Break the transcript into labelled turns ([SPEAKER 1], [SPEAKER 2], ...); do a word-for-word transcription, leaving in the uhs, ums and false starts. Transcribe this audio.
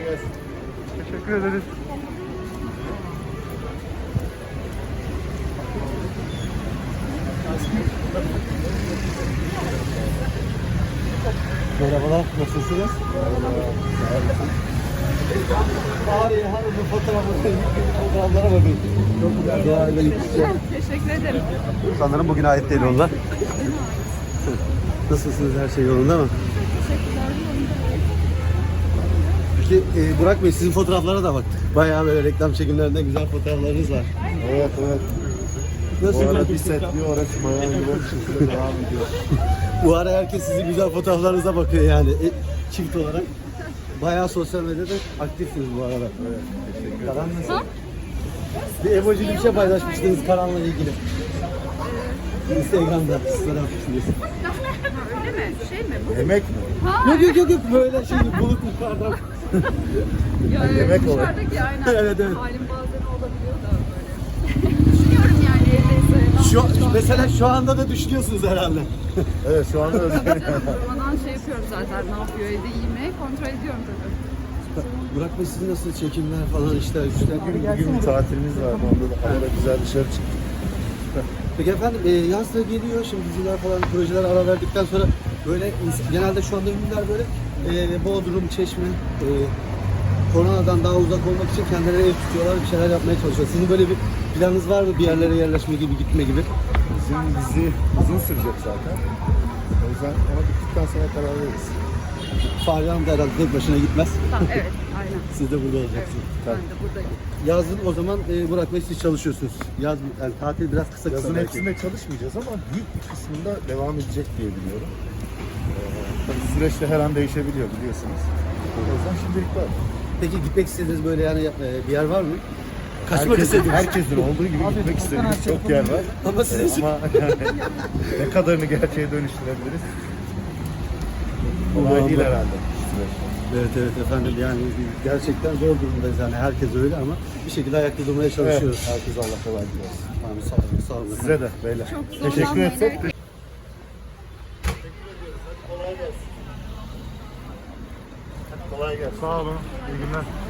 [SPEAKER 1] gelsin.
[SPEAKER 2] Teşekkür ederiz.
[SPEAKER 3] Merhabalar, nasılsınız? Bari hanımın fotoğrafları, fotoğraflara bakın. Çok güzel, doğayla yetişecek.
[SPEAKER 4] Teşekkür ederim.
[SPEAKER 3] Sanırım bugüne ait değil onlar. Nasılsınız, her şey yolunda mı? Peki e, Burak Bey, sizin fotoğraflara da baktık. Bayağı böyle reklam çekimlerinde güzel fotoğraflarınız var.
[SPEAKER 1] Evet evet.
[SPEAKER 3] Nasıl
[SPEAKER 1] Bu ara bir set bir orası bayağı yoğun şekilde devam ediyor.
[SPEAKER 3] Bu ara herkes sizin güzel fotoğraflarınıza bakıyor yani e, çift olarak. Bayağı sosyal medyada aktifsiniz bu arada.
[SPEAKER 1] Evet, teşekkür ederim.
[SPEAKER 3] Karan nasıl? Bir emojili bir şey paylaşmıştınız Karan'la ilgili. Instagram'da story atmışsınız.
[SPEAKER 4] Öyle mi? Şey mi bu?
[SPEAKER 1] Yemek mi?
[SPEAKER 3] Yok yok yok yok böyle şey bulut yukarıdan.
[SPEAKER 4] Ya,
[SPEAKER 1] yemek olarak.
[SPEAKER 4] dışarıdaki aynen.
[SPEAKER 3] Evet, evet.
[SPEAKER 4] Halim bazen olabiliyor da böyle. Düşünüyorum yani evdeyse.
[SPEAKER 3] Şu,
[SPEAKER 4] Şu an-
[SPEAKER 3] mesela şu anda da düşünüyorsunuz herhalde.
[SPEAKER 1] Evet şu anda öyle.
[SPEAKER 4] Durmadan şey yapıyorum zaten. Ne yapıyor evde iyi mi? Kontrol ediyorum tabii.
[SPEAKER 3] Burak Bey, sizin nasıl çekimler falan işler güçler?
[SPEAKER 1] Bugün, bugün bir tatilimiz vardı. Onda da havada güzel dışarı çıktık.
[SPEAKER 3] Peki efendim e, yaz da geliyor şimdi diziler falan projeler ara verdikten sonra böyle ins- genelde şu anda ünlüler böyle e, Bodrum, Çeşme e, koronadan daha uzak olmak için kendileri ev tutuyorlar, bir şeyler yapmaya çalışıyor. Sizin böyle bir planınız var mı, bir yerlere yerleşme gibi, gitme gibi?
[SPEAKER 1] Bizim dizi uzun sürecek zaten. O yüzden ona bittikten sonra karar veririz.
[SPEAKER 3] Fahriye Hanım da herhalde tek başına gitmez.
[SPEAKER 4] Tamam, evet. Aynen.
[SPEAKER 3] Siz de burada olacaksınız.
[SPEAKER 4] Ben de buradayım.
[SPEAKER 3] Yazın o zaman e, Burak Bey siz çalışıyorsunuz. Yaz yani tatil biraz kısa kısa.
[SPEAKER 1] Yazın
[SPEAKER 3] belki.
[SPEAKER 1] hepsinde çalışmayacağız ama büyük bir kısmında devam edecek diye biliyorum. Ee, tabii süreçte her an değişebiliyor biliyorsunuz. O yüzden şimdilik var.
[SPEAKER 3] Peki gitmek istediğiniz böyle yani e, bir yer var mı? Kaçmak
[SPEAKER 1] Herkesin,
[SPEAKER 3] istediğiniz.
[SPEAKER 1] herkesin olduğu gibi gitmek istediğimiz çok yer var.
[SPEAKER 3] Ama sizin
[SPEAKER 1] Ama yani ne kadarını gerçeğe dönüştürebiliriz? Kolay değil herhalde.
[SPEAKER 3] Evet evet efendim yani gerçekten zor durumdayız yani herkes öyle ama bir şekilde ayakta durmaya
[SPEAKER 1] Evet,
[SPEAKER 3] çalışıyoruz.
[SPEAKER 1] herkes Allah kolaylık versin.
[SPEAKER 3] Tamam, sağ olun, sağ olun.
[SPEAKER 1] Size de beyler.
[SPEAKER 4] Çok
[SPEAKER 1] Teşekkür
[SPEAKER 4] zorlanmayın,
[SPEAKER 1] etsek.
[SPEAKER 4] evet.
[SPEAKER 1] Kolay gelsin. Kolay gelsin.
[SPEAKER 2] Sağ olun. İyi günler.